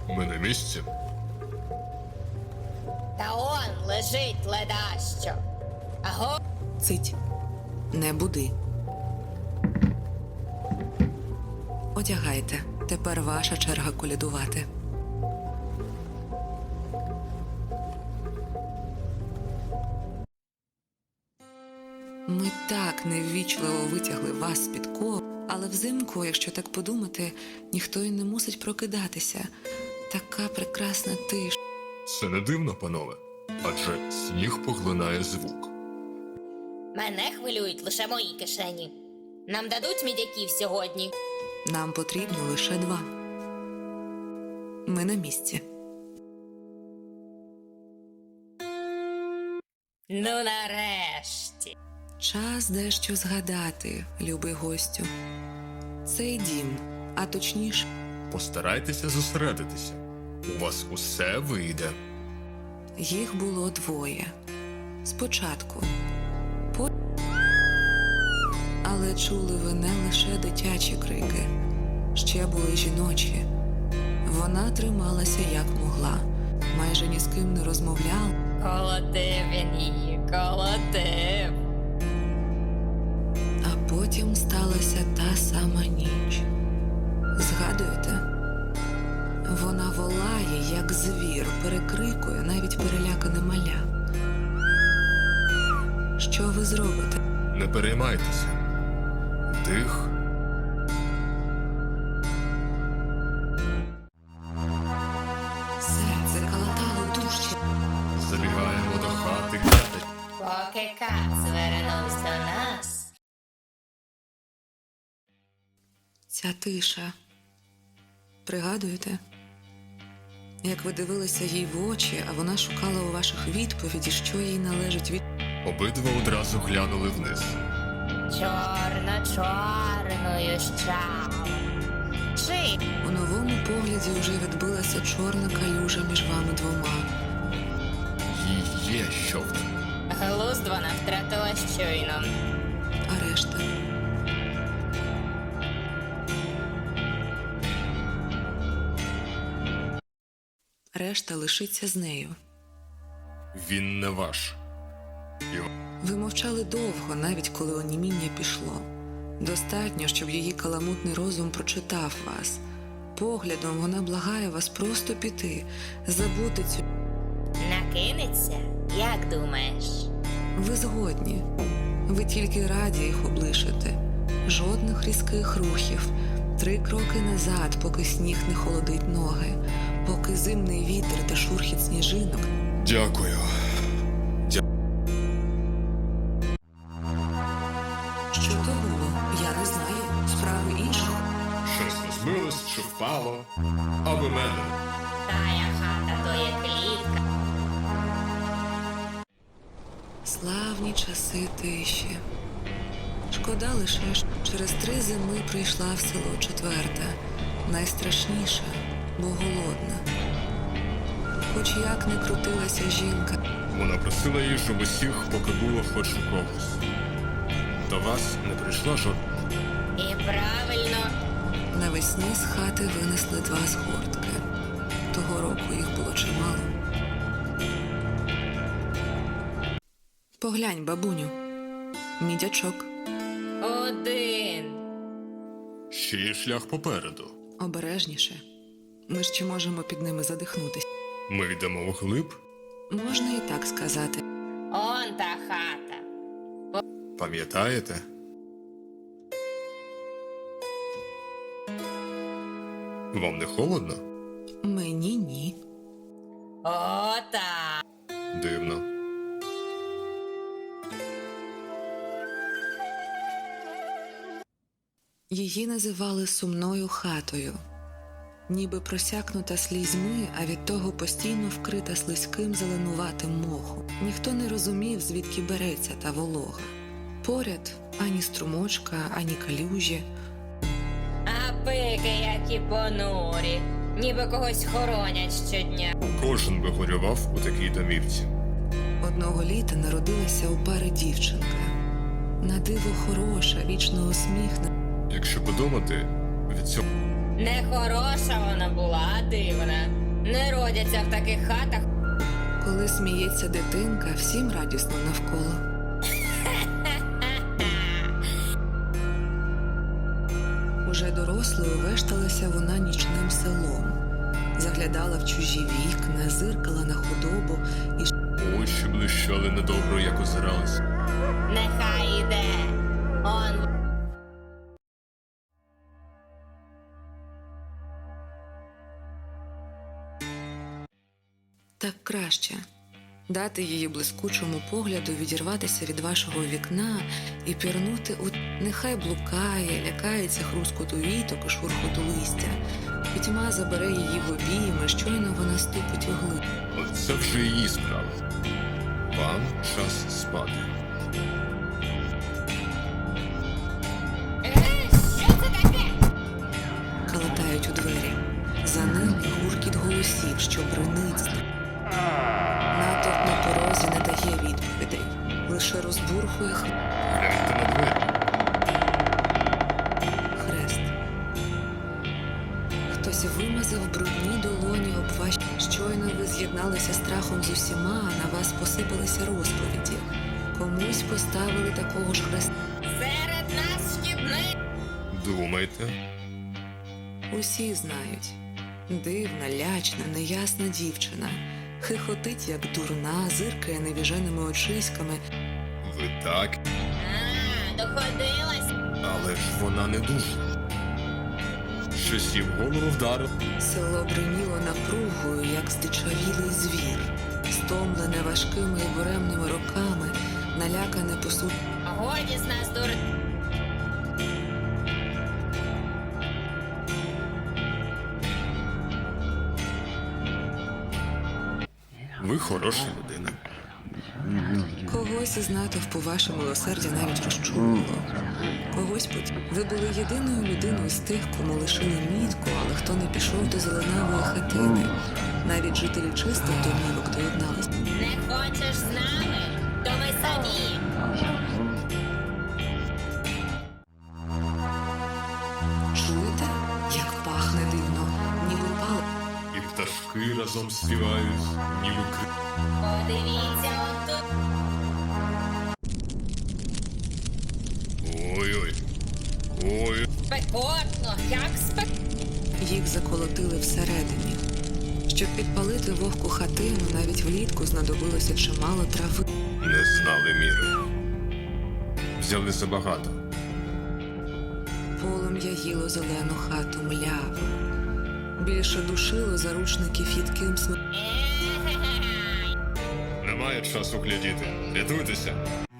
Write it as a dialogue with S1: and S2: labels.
S1: Ми на місці.
S2: Та он лежить ледащо. Аго?
S3: Цить. Не буди. Одягайте. Тепер ваша черга колядувати. Ми так неввічливо витягли вас з-під ков, але взимку, якщо так подумати, ніхто й не мусить прокидатися. Така прекрасна тиша.
S1: Це не дивно, панове. Адже сніг поглинає звук.
S2: Мене хвилюють лише мої кишені. Нам дадуть мідяків сьогодні?
S3: Нам потрібно лише 2. Ми на місці.
S2: Ну нарешті.
S3: Час дещо згадати, любий гостю. Цей дім, а точніше,
S1: Постарайтеся зосередитися. У вас усе вийде.
S3: їх було 2. Спочатку. Але чули ви не лише дитячі крики. Ще були жіночі. Вона трималася як могла. Майже ні з ким не розмовляла.
S2: Колотив він її, колотив.
S3: А потім сталася та сама ніч. Згадуєте? Вона волає, як звір, перекрикує навіть перелякане маля. Що ви зробите?
S1: Не переймайтеся. Вдих.
S3: Серце калатало дужче.
S1: Забігаємо до хати.
S2: Поки кат звернувся до нас.
S3: Ця тиша. Пригадуєте? Як ви дивилися їй в очі, а вона шукала у ваших відповіді, що їй належить від...
S1: Обидва одразу глянули вниз.
S2: Чорно-чорною щав. Чи
S3: У новому погляді вже відбилася чорна калюжа між вами 2.
S1: Їй є що в тому.
S2: глузд вона втратила щойно.
S3: А решта? Решта лишиться з нею.
S1: Він не ваш.
S3: Ви мовчали довго, навіть коли оніміння пішло. Достатньо, щоб її каламутний розум прочитав вас. Поглядом вона благає вас просто піти, забути цю...
S2: Накинеться? Як думаєш?
S3: Ви згодні. Ви тільки раді їх облишити. Жодних різких рухів. 3 кроки назад, поки сніг не холодить ноги, поки зимний вітер та шурхіт сніжинок.
S1: Дякую.
S3: Що то було? Я не знаю. Справи інших.
S1: Щось розбилось чи впало. Аби мене.
S2: Тая хата то є клітка.
S3: Славні часи тиші. Шкода лише, що через 3 зими прийшла в село 4-та. Найстрашніша, бо голодна. Хоч як не крутилася жінка,
S1: Вона просила їжу в усіх, поки було хоч у когось. До вас не прийшла жодна.
S2: І правильно.
S3: навесні з хати винесли 2 згортки. Того року їх було чимало. Поглянь, бабуню. Мідячок.
S2: Один.
S1: Ще є шлях попереду.
S3: Обережніше. Ми ж чи можемо під ними задихнутися.
S1: Ми йдемо вглиб.
S3: Можна і так сказати.
S2: Он та хата.
S1: Пам'ятаєте? Вам не холодно?
S3: Мені ні.
S2: Ота.
S1: Дивно.
S3: Її називали сумною хатою. Ніби просякнута слізьми, а від того постійно вкрита слизьким зеленуватим мохом. Ніхто не розумів, звідки береться та волога. Поряд ані струмочка, ані калюжі.
S2: А пики, які понурі. Ніби когось хоронять щодня.
S1: Кожен би горював у такій домівці.
S3: Одного літа народилася у пари дівчинка. На диво хороша, вічно усміхнена.
S1: Якщо подумати, від цього
S2: Нехороша вона була, а дивна. Не родяться в таких хатах.
S3: Коли сміється дитинка, всім радісно навколо. Уже дорослою вешталася вона нічним селом. Заглядала в чужі вікна, зиркала на худобу і
S1: Очі блищали недобро, як озирались.
S2: Нехай іде. Он
S3: так краще. Дати її блискучому погляду відірватися від вашого вікна і пірнути у нехай блукає, лякається хрускоту віток і шурхоту листя. Пітьма забере її в обійми, щойно вона ступить у глиб.
S1: Це вже її справа. Вам час спати.
S2: Що це таке?
S3: Калатають у двері. За ними гуркіт голосів, що бринить. Натовп на порозі не дає відповідей, лише розбурхує
S1: Гляньте на двері.
S3: хрест. Хтось вимазав брудні долоні об ваші. Щойно ви з'єдналися страхом з усіма, а на вас посипалися розповіді. Комусь поставили такого ж хреста.
S2: Серед нас шкідник.
S1: Думайте.
S3: Усі знають. Дивна, лячна, неясна дівчина. Хихотить, як дурна, зиркає невіженими очиськами.
S1: Ви так,
S2: Доходилась.
S1: але ж вона не дуже. Щось їй в голову вдарив.
S3: Село бриніло напругою, як здичавілий звір. Стомлене важкими і буремними роками, налякане посуд.
S2: Годі з нас дур.
S1: Ви хороша людина.
S3: Когось із натовпу ваше милосердя навіть розчулило. Когось ви були єдиною людиною з тих, кому лишили мітку, але хто не пішов до зеленавої хатини. Навіть жителі чистих домівок доєдналися.
S2: Не хочеш з нами? То ми самі.
S3: Чуєте, як пахне дивно, ніби пал.
S1: І пташки разом співають, ніби кри.
S2: Подивіться, он тут.
S1: Ой-ой. Ой.
S2: Спекотно, як спек.
S3: Їх заколотили всередині. Щоб підпалити вогку хатину, навіть влітку знадобилося чимало трави.
S1: Не знали міри. Взяли забагато.
S3: Полум'я їло зелену хату мляво. Більше душило заручників їдким смерть.
S1: Немає часу глядіти. Рятуйтеся.